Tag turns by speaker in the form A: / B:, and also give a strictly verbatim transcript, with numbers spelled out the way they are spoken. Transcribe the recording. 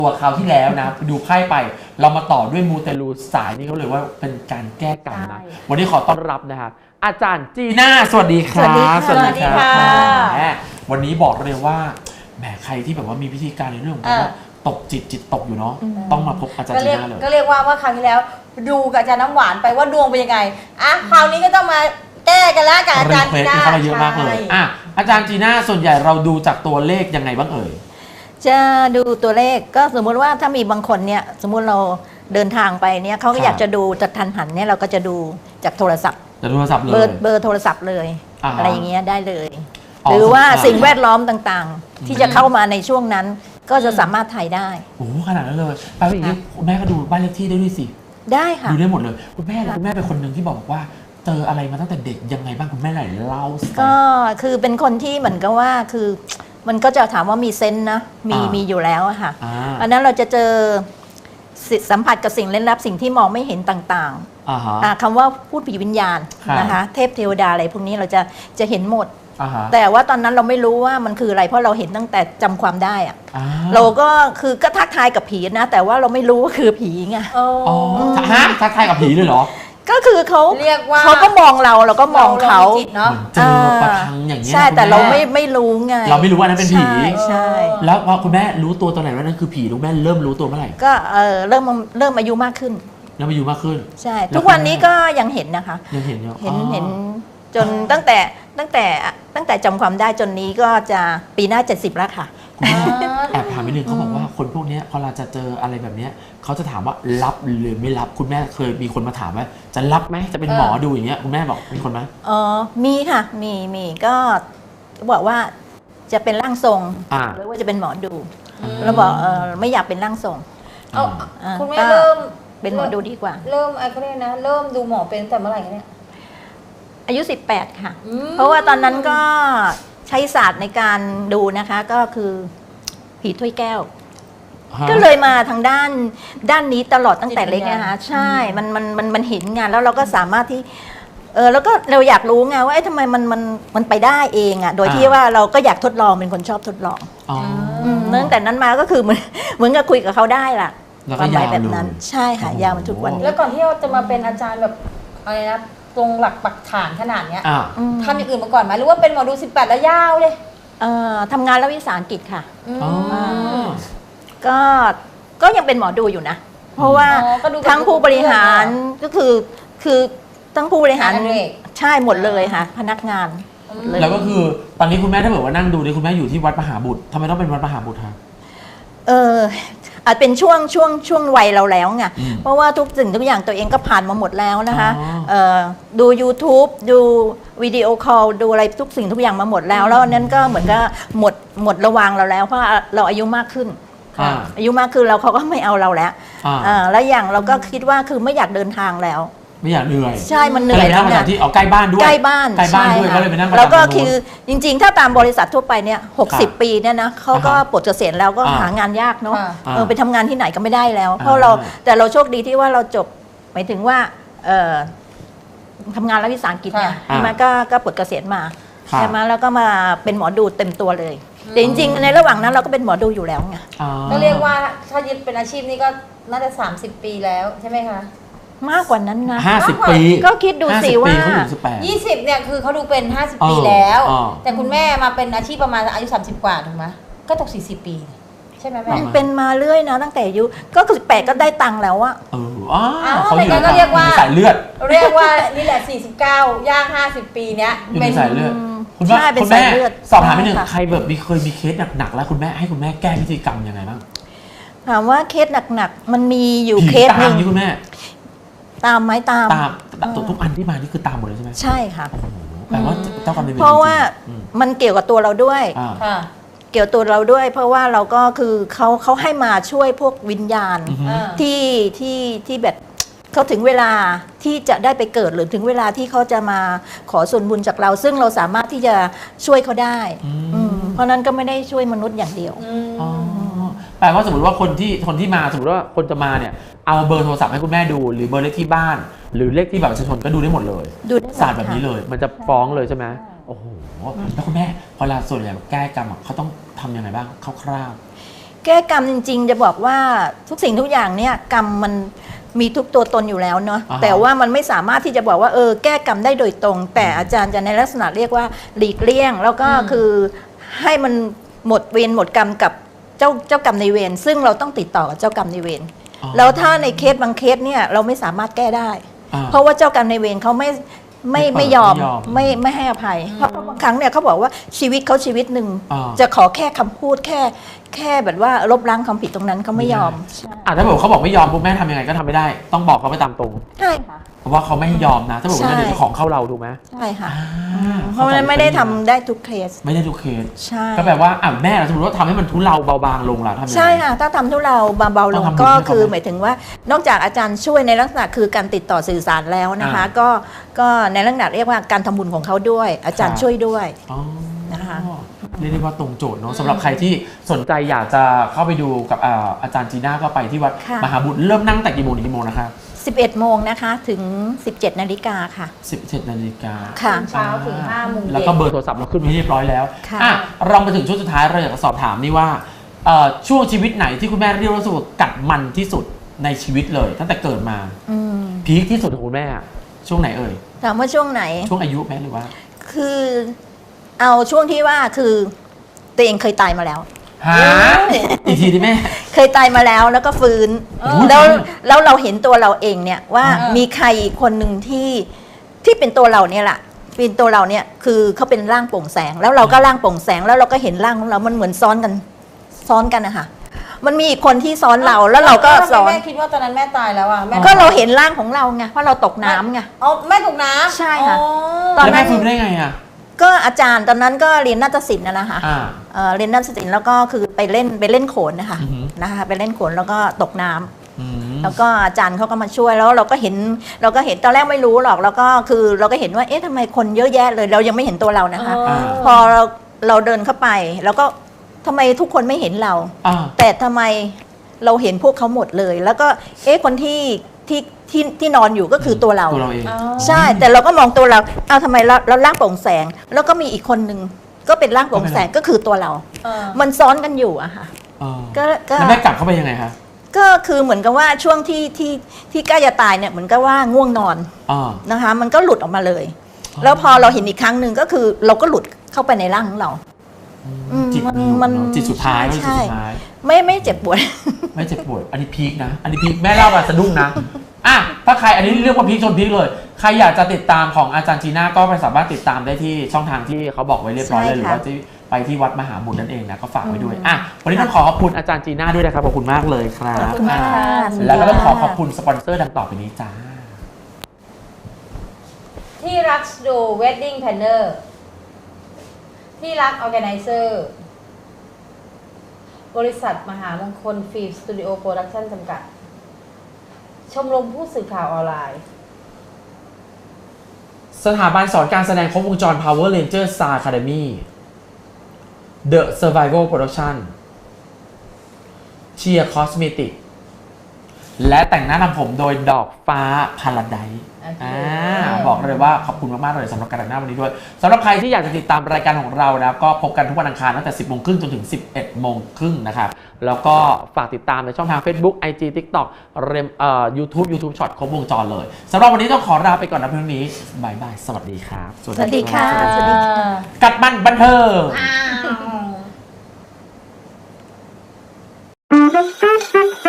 A: ตัวคราวที่แล้วนะดูไพ่ไปเรามาต่อด้วยมูเตลูสายนี่เขาเลยว่าเป็นการแก้กรรมนะวันนี้ขอต้อนรับนะครับอาจารย์จีน่าสวัสดีครับ
B: สวัสดีค่ะ
A: วันนี้บอกเลยว่าแหมใครที่แบบว่ามีพิธีการในเรื่องของการว่าตกจิตจิตตกอยู่เนาะต้องมาพบอาจารย์จีน่าเลย
B: ก็เรียกว่าว่าคราวที่แล้วดูกับอาจารย์น้ำหวานไปว่าดวงเป็นยังไงอ่ะคราวนี้ก็ต้องมาแก้กันแล้วกับอาจารย์จีน่า
A: เข้ามาเยอะมากเลยอ่ะอาจารย์จีน่าส่วนใหญ่เราดูจากตัวเลขยังไงบ้างเอ่ย
C: จะดูตัวเลขก็สมมุติว่าถ้ามีบางคนเนี่ยสมมุติเราเดินทางไปเนี่ยเขาก็อยากจะดูจากทันหันเนี่ยเราก็จะดูจากโทรศัพท์
A: จากโทรศัพท์เลย
C: เบอร์เบอร์โทรศัพท์เลย
A: อ
C: อะไรอย่างเงี้ยได้เลยหรือว่าสิ่งแวดล้อมต่างๆ ที่จะเข้ามาในช่วงนั้นก็จะสามารถถ่ายได้
A: โอ้ขนาดนั้นเลยไปอย่างนี้คุณแม่ก็ดูบ้านเลขที่ได้ด้วยสิ
C: ได้ค่ะ
A: ดูได้หมดเลยคุณแม่คุณแม่เป็นคนหนึ่งที่บอกว่าเจออะไรมาตั้งแต่เด็กยังไงบ้างคุณแม่ไหนเล่าสิ
C: ก็คือเป็นคนที่เหมือนกับว่าคือมันก็จะถามว่ามีเซนส์นะมีมีอยู่แล้วอะค่ะอันนั้นเราจะเจอสัมผัสกับสิ่งเล่นลับสิ่งที่มองไม่เห็นต่างๆคำว่าพูดผีวิญญาณนะคะเทพเทวดาอะไรพวกนี้เราจะจะเห็นหมดแต่ว่าตอนนั้นเราไม่รู้ว่ามันคืออะไรเพราะเราเห็นตั้งแต่จำความได้อะเราก็คือก็ทักทายกับผีนะแต่ว่าเราไม่รู้ว่าคือผีไง
A: อ๋อฮะทักทายกับผีเลยเหรอ
C: ก็คือเขา
B: เรียกว่า
C: เขาก็มองเราเราก็มองเขา
A: เนาะเจอประทังอย่างเงี้ย
C: ใช่แต่เราไม่ไม่รู้ไง
A: เราไม่รู้ว่านั้นเป็นผี
C: ใช่
A: แล้วพอคุณแม่รู้ตัวตอนไหนว่านั่นคือผีคุณแม่เริ่มรู้ตัวเมื่อไหร่
C: ก็เออเริ่มเริ่มอายุมากขึ้น
A: เริ่มอายุมากขึ้น
C: ใช่ทุกวันนี้ก็ยังเห็นนะคะ
A: ยังเห็นอยู่
C: เห็นเห็นจนตั้งแต่ตั้งแต่ตั้งแต่จำความได้จนนี้ก็จะปีหน้าเจ็ดสิบแล้วค่ะ
A: แอบถามนิดนึงเขาบอกว่าคนพวกนี้พอเราจะเจออะไรแบบนี้เขาจะถามว่ารับหรือไม่รับคุณแม่เคยมีคนมาถามว่าจะรับไหมจะเป็นหมอดูอย่างเงี้ยคุณแม่บอกมีคนไหม
C: อ๋อมีค่ะมีมีก็บอกว่าจะเป็นร่างทรงหรือว่าจะเป็นหมอดูเราบอกเออไม่อยากเป็นร่างทรง
B: เอาคุณแม่เริ่ม
C: เป็นหมอดูดีกว่า
B: เริ่มอะไรก็ได้นะเริ่มดูหมอเป็นแต่เมื่อไหร่เนี่ย
C: อายุสิบแปดค่ะเพราะว่าตอนนั้นก็ใช้ศาสตร์ในการดูนะคะก็คือผีถ้วยแก้วก็เลยมาทางด้านด้านนี้ตลอดตั้งแต่เล็กนะคะใช่มันมันมันมันเห็นงานแล้วเราก็สามารถที่เออแล้วก็เราอยากรู้ไงว่าทำไมมันมันมันไปได้เองอ่ะโดยที่ว่าเราก็อยากทดลองเป็นคนชอบทดลองตั้งแต่นั้นมาก็คือเหมือนเหมือนกับคุยกับเขาได้ล่ะความหมายแบบนั้นใช่ค่ะยาวมาทุกวันนี้
B: แล้วก่อนที่เราจะมาเป็นอาจารย์แบบอะไรนะตรงหลักปักฐานขนาดเนี้ยทำอย่างอื่นมาก่อนไหมหรือว่าเป็นหมอดูสิบแปดแล้วยาวเลย
C: ทำงานรัฐวิสาหกิจค่ะก็ก็ยังเป็นหมอดูอยู่นะเพราะว่าทั้งผู้บริหารก็คือคือทั้งผู้บริหารใช่หมดเลยค่ะพนักงาน
A: แล้วก็คือตอนนี้คุณแม่ถ้าเกิดว่านั่งดูเนี่ยคุณแม่อยู่ที่วัดมหาบุตรทำไมต้องเป็นวัดมหาบุตรคะ
C: เอออาจเป็นช่วงช่วงช่วงวัยเราแล้วไงเพราะว่าทุกสิ่งทุกอย่างตัวเองก็ผ่านมาหมดแล้วนะคะดู YouTube ดูวิดีโอคอลดูอะไรทุกสิ่งทุกอย่างมาหมดแล้วแล้วนั้นก็เหมือนกับหมดหมดระวังเราแล้วเพราะเราอายุมากขึ้นอายุมากขึ้นเราเขาก็ไม่เอาเราแล้วแล้วอย่างเราก็คิดว่าคือไม่อยากเดินทางแล้ว
A: ไม่อยากเหนื่อย
C: ใช่มันเหนื่อย
A: แล้วนะที่เอาใกล้บ้านด้วย
C: ใกล้บ้าน
A: ใกล้บ้านด้วยก็เลยไปนั่ง
C: แล้วก็คือจริงๆถ้าตามบริษัททั่วไปเนี่ยหกสิบปีเนี่ยนะเขาก็ปลดเกษียณแล้วก็หางานยากเนาะเออไปทำงานที่ไหนก็ไม่ได้แล้วเพราะเราแต่เราโชคดีที่ว่าเราจบหมายถึงว่าเออทำงานรัฐวิสาหกิจเนี่ยใช่ไหมก็ก็ปลดเกษียณมาใช่ไหมแล้วก็มาเป็นหมอดูเต็มตัวเลยแต่จริงๆในระหว่างนั้นเราก็เป็นหมอดูอยู่แล้วไง
B: ก็เรียกว่าถ้ายึดเป็นอาชีพนี้ก็น่าจะสามสิบปีแล้วใช่ไหมคะ
C: มากกว่านั้นนะ
A: ห้าสิบปี
C: ก็คิดดูสิว่า
B: ยี่สิบเนี่ยคือเขาดูเป็นห้าสิบปีแล้วแต่คุณแม่มาเป็นอาชีพประมาณอายุสามสิบกว่าถูกไหมก็ตกสี่สิบปีใช่ไหมแม่
C: เป็นมาเรื่อยนะตั้งแต่อายุก็คือสิบแปดก็ได้ตังค์แล้วอะ
A: เอออ๋อเขาอยู่
B: ก็เรียกว่า
A: สายเลือด
B: เรียกว่านี่แหละสี่สิบเก้าย่างห้าสิบปีเนี้ย
A: เป็นสายเลือดคุณแม่คุณแม่สอบถามนิดนึงใครแบบมีเคยมีเคสหนักๆแล้วคุณแม่ให้คุณแม่แก้พิธีกรรมยังไงบ้าง
C: ถามว่าเคสหนักๆมันมีอยู่เคสหนึ่ง
A: คุณแม่
C: ตามไหมตาม
A: ตามทุกอันที่มานี่คือตามหมดเลยใช่ไหม
C: ใช่ค่ะ
A: แปลว่าเจ้ากรรมนายเวร
C: เพราะว่ามันเกี่ยวกับตัวเราด้วยเกี่ยวตัวเราด้วยเพราะว่าเราก็คือเขาเขาให้มาช่วยพวกวิญญาณที่ที่ที่แบบเขาถึงเวลาที่จะได้ไปเกิดหรือถึงเวลาที่เขาจะมาขอส่วนบุญจากเราซึ่งเราสามารถที่จะช่วยเขาได้เพราะนั้นก็ไม่ได้ช่วยมนุษย์อย่างเดียว
A: แปลว่าสมมติว่าคนที่คนที่มาสมมติว่าคนจะมาเนี่ยเอาเบอร์โทรศัพท์ให้คุณแม่ดูหรือเบอร์เลขที่บ้านหรือเลขที่บัตรประชาชนก็ดูได้หมดเลยศาสตร์แบบนี้เลยมันจะฟ้องเลยใช่ไหมโอ้โหแล้วคุณแม่พอเวลาส่วนใหญ่แก้กรรมเขาต้องทำยังไงบ้างคร่าว
C: ๆแก้กรรมจริงๆ จะบอกว่าทุกสิ่งทุกอย่างเนี่ยกรรมมันมีทุกตัวตนอยู่แล้วเนาะ
A: อ่าฮะ
C: แต่ว่ามันไม่สามารถที่จะบอกว่าเออแก้กรรมได้โดยตรง แต่อาจารย์จะในลักษณะเรียกว่าหลีกเลี่ยง แล้วก็
B: อืม
C: คือให้มันหมดเวรหมดกรรมกับเจ้าเจ้ากรรมในายเวรซึ่งเราต้องติดต่อกับเจ้ากรรมในายเวร
A: อ๋อ
C: แล้วถ้าในเคสบางเคสเนี่ยเราไม่สามารถแก้ได้
A: อ่า
C: เพราะว่าเจ้ากรรมในายเวรเขาไม่ไม่
A: ไม่
C: ไม่
A: เปิด
C: ยอม
A: ไม่ยอม
C: ไม่ไม่ให้อภัย เพราะบางครั้งเนี่ยเขาบอกว่าชีวิตเขาชีวิตหนึ่ง
A: อ่า
C: จะขอแค่คำพูดแค่แค่แบบว่าลบล้างความผิดตรงนั้นเขาไม่ยอม
A: อ่ะถ้าบอกเขาบอกไม่ยอมปุ๊บแม่ทำยังไงก็ทำไม่ได้ ต้องบอกเขาไปตามตรง
C: ใช่ค่ะ
A: เพราะว่าเขาไม่ให้ยอมนะ ถ้าบอกว่า
C: ใช่
A: เดี๋ยวของเข้าเราถูกไหม
C: ใช่ค่ะ
A: อ่า
C: เพราะมันไม่ได้ทำได้ทุกเคส
A: ไม่ได้ทุกเคส
C: ใช่
A: ก็แปลว่าอ่ะแม่สมมติว่าทำให้มันทุเลาเบาบางลงล่ะทำยังไง
C: ใช่ค่ะ ถ้าทำทุเราเบาๆล
A: ต้อง
C: ง
A: ทำบุญ
C: ก็
A: ให้เขา
C: คือ
A: ไหม
C: หมายถึงว่านอกจากอาจารย์ช่วยในลักษณะคือการติดต่อสื่อสารแล้วนะคะ
A: อ่า
C: ก็ก็ในลักษณะเรียกว่าการทำบุญของเขาด้วย อาจารย์
A: ครับ
C: ช่วยด้วย
A: อ๋อ
C: นะคะ
A: เรียกได้ว่าตรงโจทย์เนาะสำหรับใครที่สนใจอยากจะเข้าไปดูกับอ่าอาจารย์จีน่าก็ไปที่วัด
C: ค่ะ
A: มหาบุตรเริ่มนั่งแต่กี่โมงถึงกี่โมงนะคะ
C: สิบเอ็ดโมงนะคะถึงสิบเจ็ดนาฬิกาค่ะ
A: สิบเจ็ดนาฬิกา
C: ค่ะ
B: เช้าถึงห้าโมงเย็น
A: แล้วก็เบอร์โทรศัพท์เราขึ้นไว้เรียบร้อยแล้ว
C: ค่ะ
A: อ่ะเรามาถึงช่วงสุดท้ายเราอยากจะสอบถามนี่ว่าเอ่อช่วงชีวิตไหนที่คุณแม่เรียกว่ารู้สึกว่ากัดมันที่สุดในชีวิตเลย ตั้งแต่เกิดมา
C: อืม
A: พีคที่สุดของคุณแม่อะช่วงไหนเอ่ย
C: ถามว่าช่วงไหน
A: ช่วงอายุแม่หรือว่า
C: คือเอาช่วงที่ว่าคือตัวเองเคยตายมาแล้ว
A: ฮะอีกทีดิแม่
C: เคยตายมาแล้วแล้วก็ฟื้น
A: โอ้โห
C: แล้วแล้วเราเห็นตัวเราเองเนี่ยว่า
B: เออ
C: มีใครอีกคนหนึ่งที่ที่เป็นตัวเราเนี่ยแหละเป็นตัวเราเนี่ยคือเขาเป็นร่างโปร่งแสง แล้วเราก็ร่างโปร่งแสงแล้วเราก็เห็นร่างของเรามันเหมือนซ้อนกันซ้อนกันนะคะมันมีอีกคนที่ซ้อนเราแล้วเราก็
B: ทำไม
C: ซ้อน
B: แม่คิดว่าตอนนั้นแม่ตายแล้วอ่ะแม่
C: ก็เราเห็นร่างของเราไงเพราะเราตกน้ำไง
B: อ๋อแม่ตกน้ำ
C: ใช่ค่ะ
B: อ๋อ
C: ตอน
A: แล้ว
C: นั้
A: แม่
C: น
A: ฟื้นไปได้ไงอ่ะ
C: ก็อาจารย์ตอนนั้นก็เรียนนาฏศิลป์นะนะคะ
A: อ่า
C: เอ่อเรียนนาฏศิลป์แล้วก็คือไปเล่นไปเล่นโขนนะคะ
A: อือหือ
C: นะคะไปเล่นโขนแล้วก็ตกน้ำ
A: อืม
C: แล้วก็อาจารย์เขาก็มาช่วยแล้วเราก็เห็นเราก็เห็นตอนแรกไม่รู้หรอกแล้วก็คือเราก็เห็นว่าเอ๊ะทำไมคนเยอะแยะเลย เรายังไม่เห็นตัวเรานะคะ
B: อ๋อ
C: พอเราเราเดินเข้าไปแล้วก็ทำไมทุกคนไม่เห็นเรา
A: อ่า
C: แต่ทำไมเราเห็นพวกเขาหมดเลย แล้วก็เอ๊ะคนที่ที่ที่ที่นอนอยู่ก็คือตัวเรา
A: ตัวเราเอง
B: อ๋อ
C: ใช่ แต่เราก็มองตัวเราเอาทำไมเราเราร่างโปร่งแสง แล้วก็มีอีกคนหนึ่งก็เป็นร่างโปร่งแสงก็คือตัวเรา
B: เออ
C: มันซ้อนกันอยู่อะค่ะ
A: เออ
C: ก็ก็
A: แล้วแม่กลับเข้าไปยังไงคะ
C: ก็คือเหมือนกับว่าช่วงที่ที่ที่ใกล้จะตายเนี่ยเหมือนกับว่าง่วงนอน
A: อ่า
C: นะคะ มันก็หลุดออกมาเลย
A: อ๋อ
C: แล้วพอเราเห็นอีกครั้งหนึ่งก็คือเราก็หลุดเข้าไปในร่างของเรา อืม
A: จิต
C: มัน
A: หลุด
C: มัน
A: เนอะจิตสุดท้าย
C: ใช่
A: จิตสุดท้าย
C: ไม่ไม่เจ็บปวด
A: ไม่เจ็บปวด อันนี้พีคนะ อันนี้พีคแม่เล่ามาสะดุ้งนะ อ่ะ ถ้าใครอันนี้เรียกว่าพีคชนพีคเลย ใครอยากจะติดตามของอาจารย์จีน่าก็ไปสามารถติดตามได้ที่ช่องทางที่เขาบอกไว้เรียบร้อยเลยห
C: ใช่
A: รือ
C: ค่ะ
A: ว่าที่ไปที่วัดมหาบุญนั่นเองนะ ก็ฝากไว้ด้วย
C: อืม
A: อ่ะ วันนี้ต้องขอขอบคุณอาจารย์จีน่าด้วยนะครับ ขอบคุณมากเลยครับ
C: ขอบคุณมาก
A: อ่ะ
C: ค่ะ
A: แล้วก็ต้องขอขอบคุณสปอนเซอร์ดังต่อไปนี้จ้า
B: ที่รักดูเวดดิ้งแพนเนอร์ที่รักออแกไนเซอร์บริษัทมหามงคลฟิล์มสตูดิโอโปรดักชั่นจำกัด ชมรมผู้สื่อข่าวออนไลน์
A: สถาบันสอนการแสดงครบวงจร Power Ranger Star Academy The Survival Production เชียร์คอสเมติกและแต่งหน้าทำผมโดยดอกฟ้าพาราไดซ์
B: โอเค
A: อ่าบอกเลยว่าขอบคุณมากๆเลยสำหรับการแต่งหน้าวันนี้ด้วยสำหรับใครที่อยากจะติดตามรายการของเรานะก็พบกันทุกวันอังคารตั้งแต่ สิบโมงครึ่งจนถึง สิบเอ็ดโมงครึ่งนะครับแล้วก็ฝากติดตามในช่องทาง Facebook ไอ จี TikTok เรมเอ่อ YouTube YouTube Short ครบวงจรเลยสำหรับวันนี้ต้องขอลาไปก่อนนะเพียงนี้บายบายสวัสดีครับ
C: สวัสดีค่ะ
A: รับ
C: สวัสดีค่ะ
A: กัดมันบันเทิง
B: อ้าว